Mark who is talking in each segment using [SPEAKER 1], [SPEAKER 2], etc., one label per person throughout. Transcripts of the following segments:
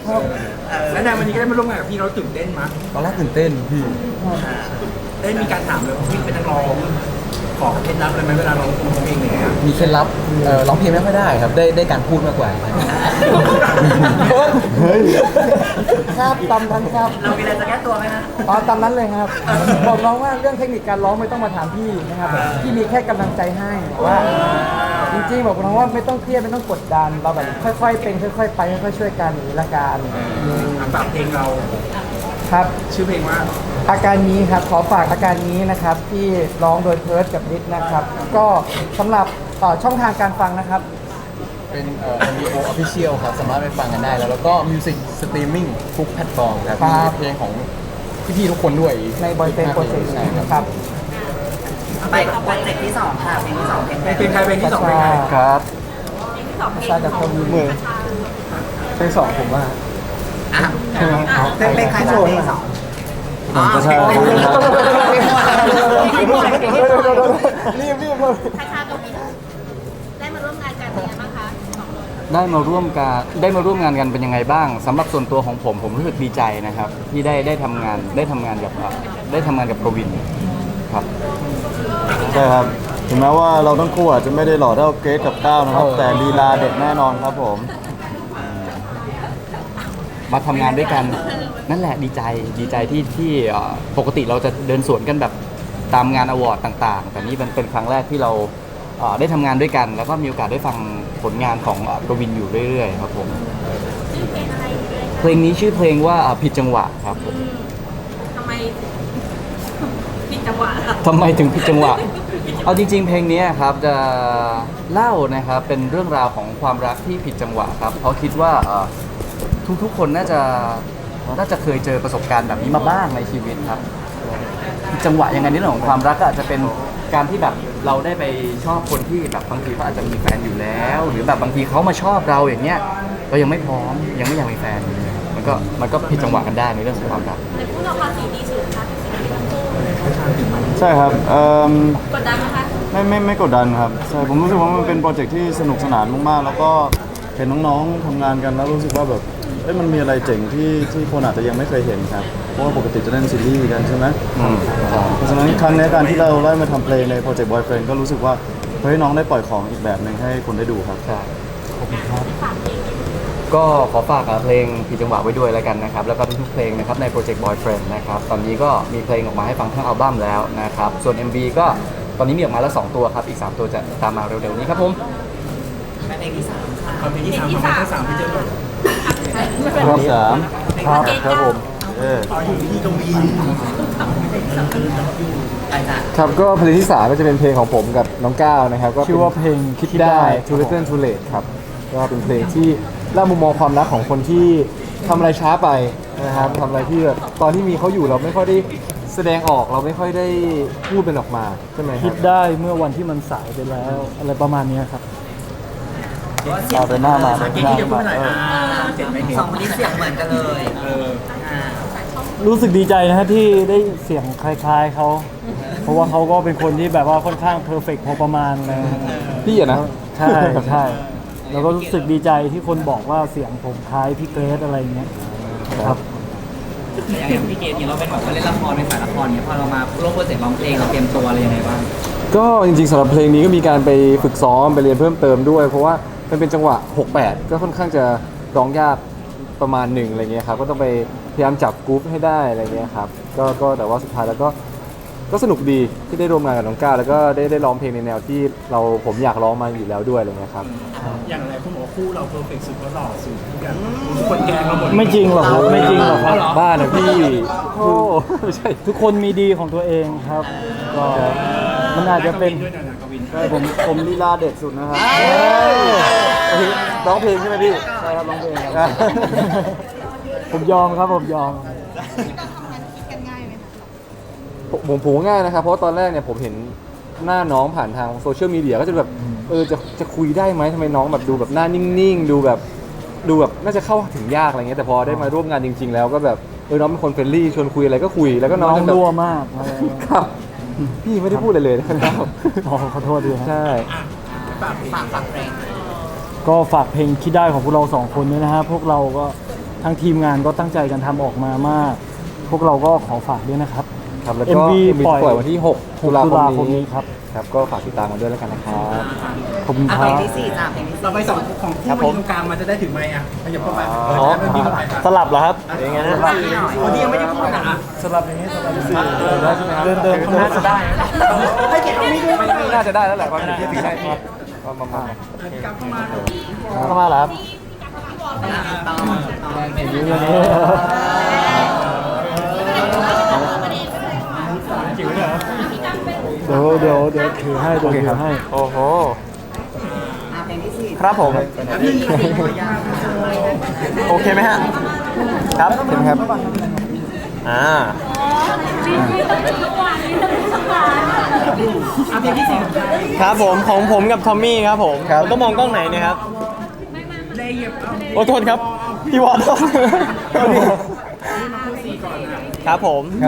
[SPEAKER 1] แล้วในวันนี้ก็ได้มาร่วมงานกับพี่เราตื่นเต้นมั้ย
[SPEAKER 2] ตอนแรกตื่นเต้นพี่
[SPEAKER 1] ได้มีการถามเลยว่าพี่เป็นนักร้องขอเคล็ดลับอะไรไหมเวลาเราร้องเพลงอย่างเงี้ย
[SPEAKER 2] มีเคล็ดลับร้องเพลงไม่ค่อยได้ครับได้การพูดมากกว่า
[SPEAKER 3] เฮ้ย
[SPEAKER 4] ครับตามนั้นครับ
[SPEAKER 1] เรามีอะไรจะแก้ตัวไหมฮะ
[SPEAKER 4] อ๋อตามนั้นเลยครับบอกน้องว่าเรื่องเทคนิคการร้องไม่ต้องมาถามพี่นะครับพี่มีแค่กำลังใจให้ว่าจริงๆบอกน้องว่าไม่ต้องเครียดไม่ต้องกดดันเราแบบค่อยๆเป็นค่อยๆไปค่อยๆช่วยกันอย่างนี้ละกัน
[SPEAKER 1] ฝากเพลงเรา
[SPEAKER 4] ครับ
[SPEAKER 1] ชื่อเพลงว่า
[SPEAKER 4] อาการนี้ครับขอฝากอาการนี้นะครับที่ร้องโดยเพิร์ดกับนิดนะครับก็สำหรับช่องทางการฟังนะครับ
[SPEAKER 2] เป็นMVO Official ครับสามารถไปฟังกันได้แล้วก็ Music Streaming ทุกแพลตฟอร์มครับมีเพลงของพี่ๆทุกคนด้วย
[SPEAKER 4] ในบอยเฟนโปรเจกต์นะครับ
[SPEAKER 1] ไปโปรเจกต์ที่2ค่ะเพลงที่2เพลงใครเพลงที่2เพลงใคร
[SPEAKER 2] ครับ
[SPEAKER 4] ชาจากคนมือเพลง2ผมว่า
[SPEAKER 1] ใช่ไหมเป็นใครเพลง2
[SPEAKER 3] ก็ใช่
[SPEAKER 4] รีบ
[SPEAKER 5] คาชากับมินได้มาร่วมงานกันเป็นยังไงบ้างคะ
[SPEAKER 2] ได้มาร่วมงานกันเป็นยังไงบ้างสำหรับส่วนตัวของผมรู้สึกดีใจนะครับที่ได้ทำงานกับกวินครับ
[SPEAKER 3] ใช่ครับถึงแม้ว่าเราทั้งคู่อาจจะไม่ได้หล่อเท่าเกรซกับก้าวนะครับแต่ลีลาเด็ดแน่นอนครับผม
[SPEAKER 2] มาทำงานด้วยกันนั่นแหละดีใจที่ปกติเราจะเดินสวนกันแบบตามงานอวอร์ดต่างๆแต่นี่มันเป็นครั้งแรกที่เราได้ทำงานด้วยกันแล้วก็มีโอกาสได้ฟังผลงานของกวินอยู่เรื่อยๆครับผม
[SPEAKER 5] ชื่อเพลงอะไร
[SPEAKER 2] เพลงนี้ชื่อเพลงว่าผิดจังหวะครับผม
[SPEAKER 5] ทำไมผิดจังหวะ
[SPEAKER 2] ทำไมถึงผิดจังหวะเอาจริงๆเพลงนี้ครับจะเล่านะครับเป็นเรื่องราวของความรักที่ผิดจังหวะครับเพราะคิดว่าทุกคนน่าจะเคยเจอประสบการณ์แบบนี้มาบ้างในชีวิตครับจังหวะยังไงในเรื่องของความรักก็อาจจะเป็นการที่แบบเราได้ไปชอบคนที่แบบบางทีเขาอาจจะมีแฟนอยู่แล้วหรือแบบบางทีเขามาชอบเราอย่างเงี้ยเรายังไม่พร้อมยังไม่อยากมีแฟนมันก็ผิดจังหวะกันได้ในเรื่องของความรัก
[SPEAKER 5] ในคู่เราภาษีดีสุดค่ะ
[SPEAKER 3] ใช่ครับ
[SPEAKER 5] กดดันไหมคะ
[SPEAKER 3] ไม่กดดันครับใช่ผมรู้สึกว่ามันเป็นโปรเจกต์ที่สนุกสนานมากๆแล้วก็เห็นน้องๆทำงานกันแล้วรู้สึกว่าแบบมันมีอะไรเจ๋งที่คนอาจจะยังไม่เคยเห็นครับเพราะว่าปกติจะเล่นซีรีส์กันใช่ไหมเพราะฉะนั้นครั้งนี้การที่เราได้มาทำเพลงในโปรเจกต์ Boyfriend ก็รู้สึกว่าเฮ้ยน้องได้ปล่อยของอีกแบบหนึ่งให้คนได้ดูครับ
[SPEAKER 2] ขอบคุณครับก็ขอฝากเพลงผิดจังหวะไว้ด้วยแล้วกันนะครับแล้วก็ทุกๆเพลงนะครับในโปรเจกต์ Boyfriend นะครับตอนนี้ก็มีเพลงออกมาให้ฟังทั้งอัลบั้มแล้วนะครับส่วน MV ก็ตอนนี้มีออกมาแล้ว2ตัวครับอีก3ตัวจะตามมาเร็วๆนี้ครับผม
[SPEAKER 1] เพลงที่3ค่ะเพลงที่3เพลงที่3พี่เจอก่อน
[SPEAKER 3] รอบ3
[SPEAKER 4] ครับผม
[SPEAKER 1] อยู่ที่ตรงนี้
[SPEAKER 4] ครับก็เพลงที่3ก็จะเป็นเพลงของผมกับน้องก้าวนะครับก็ชื่อว่าเพลงคิดได้ Too Little Too Late ครับก็เป็นเพลงที่เล่ามุมมองความรักของคนที่ทำอะไรช้าไปนะครับทำอะไรที่แบบตอนที่มีเขาอยู่เราไม่ค่อยได้แสดงออกเราไม่ค่อยได้พูดเป็นออกมาใช่ไหมคิดได้เมื่อวันที่มันสายไปแล้วอะไรประมาณนี้ครับ
[SPEAKER 3] เอาไปหน้ามา
[SPEAKER 1] เก่งที่จะพูดหน่อยสองคนนี้เสียงเหมือนกันเลย
[SPEAKER 4] รู้สึกดีใจนะฮะที่ได้เสียงคล้ายๆเขาเพราะว่าเขาก็เป็นคนที่แบบว่าค่อนข้างเพอร์เฟกต์พอประมาณเลยพี่อะนะใช่แล้วก็รู้สึกดีใจที่คนบอกว่าเสียงผมคล้ายพี่เกรซอะไรเงี้ยครับ
[SPEAKER 1] อย่างพี่เกรซเนี่ยเราเป็นแบบว่าเล่นละครเป็นฝ่ายละครเนี่ยพอเรามาร่วมโปรเจกต์ร้องเพลงเราเตรียมตัวอะไรยังไงบ้าง
[SPEAKER 4] ก็จริงๆสำหรับเพลงนี้ก็มีการไปฝึกซ้อมไปเรียนเพิ่มเติมด้วยเพราะว่ามันเป็นจังหวะ 6/8 ก็ค่อนข้างจะร้องยากประมาณหนึ่งอะไรเงี้ยครับก็ต้องไปพยายามจับกรุ๊ปให้ได้อะไรเงี้ยครับก็แต่ว่าสุดท้ายแล้วก็สนุกดีที่ได้ร่วมงานกับน้องก้าวแล้วก็ได้ร้องเพลงในแนวที่ผมอยากร้องมาอยู่แล้วด้วยอะไรเงี้ยครับ
[SPEAKER 1] อย่างไรคุณบอกคู่เราเพอร์เฟกต์สุดก็หล่อสุดทุกอย่างคนแกงเราหมด
[SPEAKER 4] ไม่จริงหรอกครับไม่จริงหรอกครับบ้านะพี่โอ้ไม่ใช่ทุกคนมีดีของตัวเองครับก็มันอาจจะเป็น
[SPEAKER 3] ผมลีลาเด็ดสุดนะครับ
[SPEAKER 4] ร้องเพลงใช่ไหมพี่ใช่ครับร้องเพลงครับผมยอมครับผมยอมผมง่ายนะครับเพราะตอนแรกเนี่ยผมเห็นหน้าน้องผ่านทางโซเชียลมีเดียก็จะแบบจะคุยได้ไหมทำไมน้องแบบดูแบบหน้านิ่งๆดูแบบน่าจะเข้าถึงยากอะไรเงี้ยแต่พอได้มาร่วมงานจริงๆแล้วก็แบบน้องเป็นคนเฟรนลี่ชวนคุยอะไรก็คุยแล้วก็น้องรั่วมากครับพี่ไม่ได้พูดอะไรเลยนะครับขอโทษด้วยใช่
[SPEAKER 1] ฝากเพลง
[SPEAKER 4] ก็ฝากเพลงคิดได้ของพวกเรา2คนด้วยนะฮะพวกเราก็ท
[SPEAKER 6] ทางทีมงานก็ตั้งใจกันทำออกมามาก พวกเราก็ขอฝากด้วยนะครับ
[SPEAKER 4] ครับแล้วก็
[SPEAKER 6] MV
[SPEAKER 4] ปล่อยวันที่ 6 ตุลา
[SPEAKER 6] ตุลา
[SPEAKER 4] ค
[SPEAKER 6] ค
[SPEAKER 4] ม
[SPEAKER 6] ม
[SPEAKER 4] นี้
[SPEAKER 6] นี้ครับ
[SPEAKER 4] ครับก็ฝากติดตามกันด้วยแล้วกันนะครับ
[SPEAKER 6] ขอบคุณค
[SPEAKER 1] เพ
[SPEAKER 6] รั
[SPEAKER 1] ลง
[SPEAKER 6] บ
[SPEAKER 1] ที่สี่จ้ะเพลงที่สี่
[SPEAKER 7] เราไปสองของคู่มาอยู่ตรงกลางมันจะได้ถึงไหมอ่ะขยับเข้าไปเริ่มที่เข้าไป
[SPEAKER 6] สลับเหรอครับ
[SPEAKER 4] ยังไงนะ
[SPEAKER 7] คนที่ยังไม่ได้พูดอ่ะ
[SPEAKER 6] สลับอย่างนี้สลับอย่างนี้
[SPEAKER 4] ได้ใช่ไหมครับ
[SPEAKER 6] เดินน่าจะได้
[SPEAKER 7] ให้เกียรติเอาไม่ด้วย
[SPEAKER 4] ไม่น่าจะได้แล้วแหละความคิดถึงได้ประมาณ
[SPEAKER 7] กลับเข้ามา
[SPEAKER 6] เข้ามาเหรอครับ
[SPEAKER 1] ต่อ
[SPEAKER 6] อย่างนี้อย่างนี้เดี๋ยวถือให้เดี๋ยวถือให้
[SPEAKER 4] โอ้โห
[SPEAKER 1] เพลงที่สี่
[SPEAKER 4] ครับผม โอเคไหมฮะ ครับเห็นครับอ่า
[SPEAKER 7] เพลงที่สี่
[SPEAKER 8] ครับผมของผมกับทอมมี่ครับผม
[SPEAKER 4] ครับ
[SPEAKER 8] ต้องมองกล้องไหนเนะครับ
[SPEAKER 7] เลยเหยียบเอา
[SPEAKER 8] โอ้โทษครับ พี่วอลครับผม
[SPEAKER 4] ครับ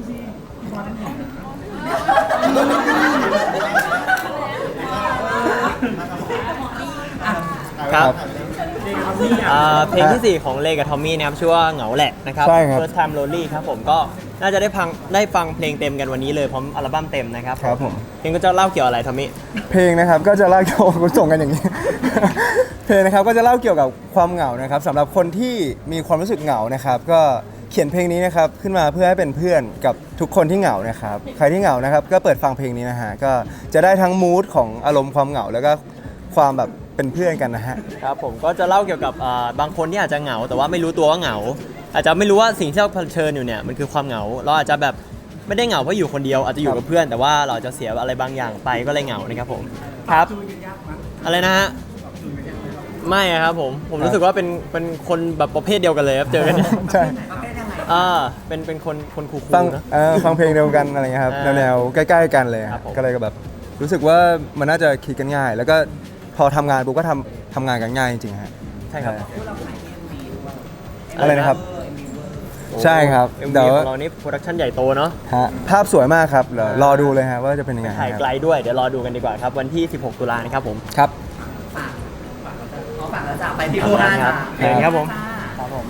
[SPEAKER 8] ครับเพลงที่ 4 ของเลกับทอมมี่นะครับชื่อว่าเหงาแหละนะครับ
[SPEAKER 4] ใช่ครับ
[SPEAKER 8] First Time Lonely ครับผมก็น่าจะได้ฟังเพลงเต็มกันวันนี้เลยพร้อมอัลบั้มเต็มนะครับ
[SPEAKER 4] ครับผม
[SPEAKER 8] เพลงก็จะเล่าเกี่ยวอะไรทอมมี่
[SPEAKER 4] เพลงนะครับก็จะเล่าเกี่ยวกับคุณส่งกันอย่างนี้ เพลงนะครับก็จะเล่าเกี่ยวกับความเหงานะครับสำหรับคนที่มีความรู้สึกเหงานะครับ ก็เขียนเพลงนี้นะครับขึ้นมาเพื่อให้เป็นเพื่อนกับทุกคนที่เหงานะครับใครที่เหงานะครับก็เปิดฟังเพลงนี้นะฮะก็จะได้ทั้งมูดของอารมณ์ความเหงาแล้วก็ความแบบเป็นเพื่อนกันนะฮะ
[SPEAKER 8] ครับผมก็จะเล่าเกี่ยวกับบางคนที่อาจจะเหงา แต่ว่าไม่รู้ตัวว่าเหงา อาจจะไม่รู้ว่าสิ่งที่เราเผชิญอยู่เนี่ยมันคือความเหงา เราอาจจะแบบไม่ได้เหงาเพราะอยู่คนเดียวอาจจะอยู่กับเพื่อน แต่ว่าเราจะเสียอะไรบางอย่างไปก็เลยเหงานะครับผมครับอะไรนะฮะไม่อะครับผมรู้สึกว่าเป็นคนแบบประเภทเดียวกันเลยครับเจอกันเนี่ย
[SPEAKER 4] ใช่
[SPEAKER 8] เป็นคนคูล
[SPEAKER 4] ฟัง
[SPEAKER 8] ๆนะ
[SPEAKER 4] ฟังเพลงเดียวกันอะไรเงี้ยครับ
[SPEAKER 8] อ่า
[SPEAKER 4] แนวๆใกล้ๆกันเลย
[SPEAKER 8] ครับผม
[SPEAKER 4] ก็เลยก็แบบรู้สึกว่ามันน่าจะคิดกันง่าย แล้วก็พอทำงานปุ๊บก็ทำงานกันง่ายจริงๆฮะ
[SPEAKER 8] ใช่ครับ
[SPEAKER 4] อะไรนะครับ ใช่ครับ
[SPEAKER 8] เอ็ม
[SPEAKER 4] เดี๋
[SPEAKER 8] วี
[SPEAKER 4] ยว
[SPEAKER 8] ของเรานี่โปรดักชั่นใหญ่โตเนาะ
[SPEAKER 4] ฮะภาพสวยมากครับเดี๋ยวรอดูเลยฮะว่าจะเป็นยังไง
[SPEAKER 8] ถ่าย
[SPEAKER 4] ครับ
[SPEAKER 8] ไกลด้วยเดี๋ยวรอดูกันดีกว่าครับวันที่ 16 ตุลานะครับผม
[SPEAKER 4] ครับ
[SPEAKER 1] ขอฝากแล้วจ้ะไปที่โคราช
[SPEAKER 8] ครั
[SPEAKER 1] จ้ะ
[SPEAKER 8] บเชิญครับผม
[SPEAKER 1] ครับผม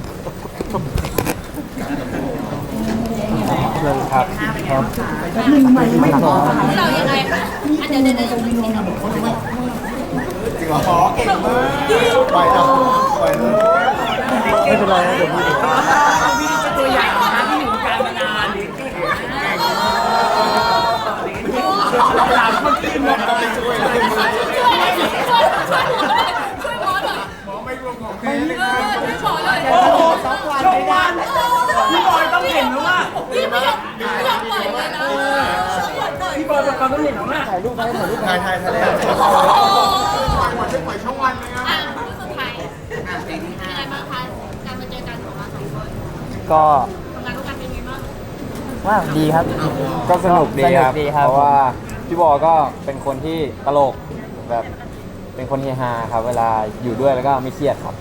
[SPEAKER 6] เชิญครับ
[SPEAKER 5] เรายังไงคะเดี๋ยว
[SPEAKER 6] ไม่เป็นไรนะเดี๋ยวพี่
[SPEAKER 7] พี่จะตัวอย่างนะที่อยู่กลางมานานหลังเมื่อกี้มันก็ไปช่วยเลยโอ้โหช่องวันพี่บอยต้องเห็นแล้วว่าพี่บอยเป็นความต้องเห็นแล้วนะถ่ายรูปถ่ายช่องวันเลยอ่ะ
[SPEAKER 1] เพลงที่ห้า
[SPEAKER 9] ก็
[SPEAKER 5] ทำงานร่วมกันเป็นไงบ้าง
[SPEAKER 9] ว่าดีครับ
[SPEAKER 4] ก็สนุกดีครับ
[SPEAKER 9] สนุกดีครับ
[SPEAKER 4] เพราะว่าพี่บอก็เป็นคนที่ตลกแบบเป็นคนเฮฮาครับ เวลาอยู่ด้วยแล้วก็ไม่เครียดครับ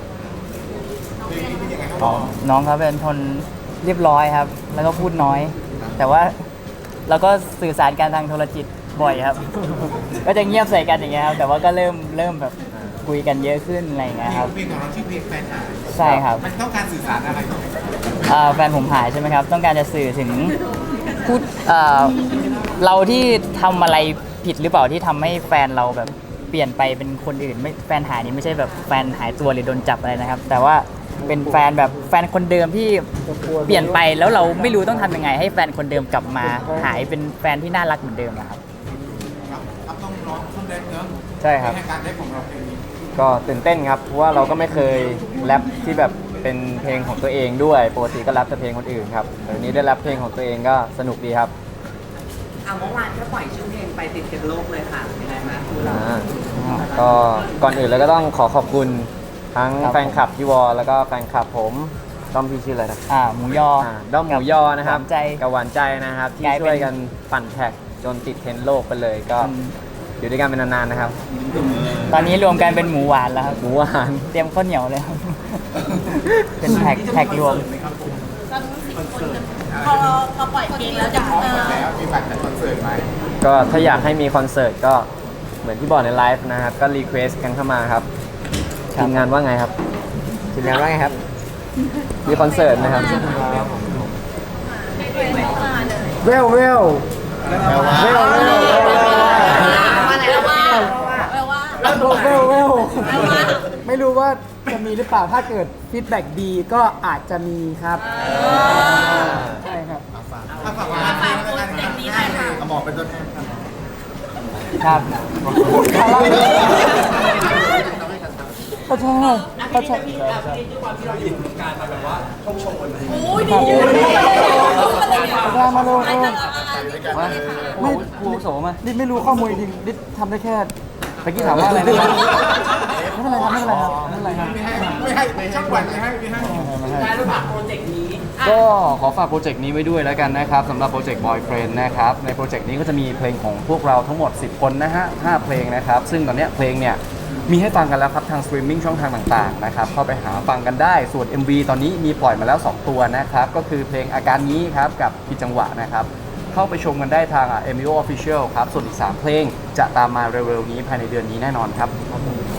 [SPEAKER 9] น้องเขาเป็นคนเรียบร้อยครับ แล้วก็พูดน้อย แต่ว่าเราก็สื่อสารกันทางโทรจิตบ่อยครับ ก็จะเงียบใส่กันอย่างเงี้ยครับแต่ว่าก็เริ่มแบบคุยกันเยอะขึ้นอะไรอย่างเงี้ยครับ
[SPEAKER 7] เพลงของเราชื่อเพลงแฟนหาย
[SPEAKER 9] ใช่ครับ
[SPEAKER 7] มันต้องการสื่อสารอะไร
[SPEAKER 9] แฟนผมหายใช่ไหมครับ ต้องการจะสื่อถึงพูดเราที่ทำอะไรผิดหรือเปล่าที่ทำให้แฟนเราแบบเปลี่ยนไปเป็นคนอื่นไม่แฟนหายนี่ไม่ใช่แบบแฟนหายตัวหรือโดนจับอะไรนะครับ แต่ว่าเป็นแฟนแบบแฟนคนเดิมที่เปลี่ยนไปแล้วเราไม่รู้ต้องทำยังไง ให้แฟนคนเดิมกลับมา หายเป็นแฟนที่น่ารักเหมือนเดิมนะครับ
[SPEAKER 7] ครับต้องร้องต้องเล่นเนอะ
[SPEAKER 4] ใช่ครับ
[SPEAKER 7] ในการได้ของเราเพลงนี้
[SPEAKER 4] ก็ตื่นเต้นครับ เพราะว่าเราก็ไม่เคยแรปที่แบบเป็นเพลงของตัวเองด้วย ปกติก็แรปแต่เพลงคนอื่นครับแต่วันนี้ได้แรปเพลงของตัวเองก็สนุกดีครับ
[SPEAKER 1] เมื่อวานก็ปล่อยชื่อเพลงไปติดเทรนด์โลกเลยค่ะเป็นไงบ้างคุณเรา
[SPEAKER 4] ก็ก่อนอื่นเลยก็ต้องขอบคุณทั้ง
[SPEAKER 9] ครับ
[SPEAKER 4] แฟนคลับพี่วอลแล้วก็แฟนคลับผมด้อมพี่ชื่ออะไรนะ
[SPEAKER 9] หมูยอ
[SPEAKER 4] ด้อมหมูยอนะครับ
[SPEAKER 9] หวานใจ
[SPEAKER 4] กับหวานใจนะครับ ที่
[SPEAKER 9] กลายเป็น
[SPEAKER 4] ช่วยกันปั่นแท็กจนติดเทรนด์โลกไปเลยก็อยู่ด้วยกันเป็นนานๆนะครับ
[SPEAKER 9] ตอนนี้รวมกันเป็นหมูหวานแล้วครับ
[SPEAKER 4] หมูหวาน
[SPEAKER 9] เตรียมข้าวเหนียวเลยครับ เป็นแท็กรวม
[SPEAKER 5] พอปล่อยเพลงแล้วจะ
[SPEAKER 7] แล้วมีบัตรจัดคอนเสิร์ตไหม
[SPEAKER 4] ก็ถ้าอยากให้มีคอนเสิร์ตก็เหมือนที่บอกในไลฟ์นะครับ ก็รีเควสกันเข้ามาครับ
[SPEAKER 9] ครับ
[SPEAKER 4] ทีมงานว่าไงครับทีมงานว่าไงครับมีคอนเสิร์ตนะครับ
[SPEAKER 6] เวลเวล
[SPEAKER 5] อะไรแล้วว่าแล้วว่า
[SPEAKER 6] เวลเวลไม่รู้ว่าจะมีหรือเปล่าถ้าเกิดฟีดแบ็กดีก็อาจจะมีครับใช่ครับ
[SPEAKER 5] ฝากโปรเจกต์นี้หน่อยค่ะ
[SPEAKER 3] หมอเป็นตัวแทนครับ
[SPEAKER 6] ครับก็ใช่ก็ใช่
[SPEAKER 5] โอ้ยดีอยู่
[SPEAKER 6] มาเลย
[SPEAKER 2] มา
[SPEAKER 6] ไม่
[SPEAKER 2] ผู้อาวุโสมา
[SPEAKER 6] นิดไม่รู้ข้อมูลจริงนิดทำได้แค่ตะกี้ถามว่าอะไรนะไม่เป็นไรครับไม่เป็นไรครับไม่เป็นไรครับ
[SPEAKER 2] ก็ขอฝากโปรเจกต์นี้ไว้ด้วยแล้วกันนะครับสำหรับโปรเจกต์ Boyfriend นะครับในโปรเจกต์นี้ก็จะมีเพลงของพวกเราทั้งหมด 10 คนนะฮะ5เพลงนะครับซึ่งตอนเนี้ยเพลงเนี่ยมีให้ฟังกันแล้วครับทางสตรีมมิ่งช่องทางต่างๆนะครับเข้าไปหาฟังกันได้ส่วน MV ตอนนี้มีปล่อยมาแล้ว 2 ตัวนะครับก็คือเพลงอาการนี้ครับกับผิดจังหวะนะครับเข้าไปชมกันได้ทาง MIO Official ครับส่วนอีก3เพลงจะตามมาเร็วๆนี้ภายในเดือนนี้แน่นอนครับ